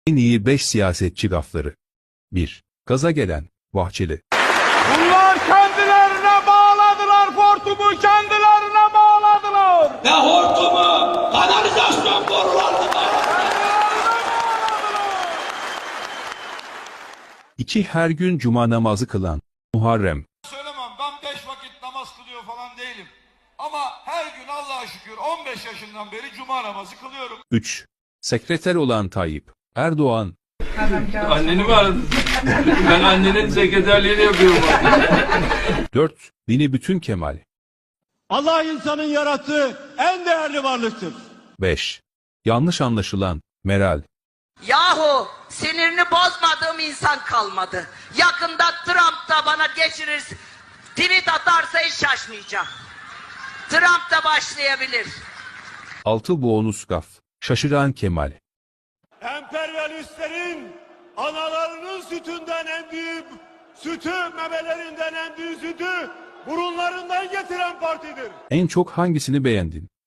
En iyi 5 siyasetçi gafları. 1. Gaza gelen Bahçeli. Bunlar kendilerine bağladılar, hortumu kendilerine bağladılar. Ne hortumu? Kanalizasyon borularını bağladılar. 2. Her gün cuma namazı kılan Muharrem. Söylemem, ben 5 vakit namaz kılıyor falan değilim. Ama her gün Allah'a şükür 15 yaşından beri cuma namazı kılıyorum. 3. Sekreter olan Tayyip Erdoğan. Anneni mi aradın? Ben annenin sekreterliğini yapıyorum. 4. Dini bütün Kemal. Allah insanın yarattığı en değerli varlıktır. 5. Yanlış anlaşılan Meral. Yahu sinirini bozmadığım insan kalmadı. Yakında Trump da bana geçirir, tweet atarsa hiç şaşmayacağım. Trump da başlayabilir. 6. Bonus gaf Şaşıran Kemal. Emperyalistlerin analarının sütünden en büyük sütü, memelerinden en büyük sütü burunlarından getiren partidir. En çok hangisini beğendin?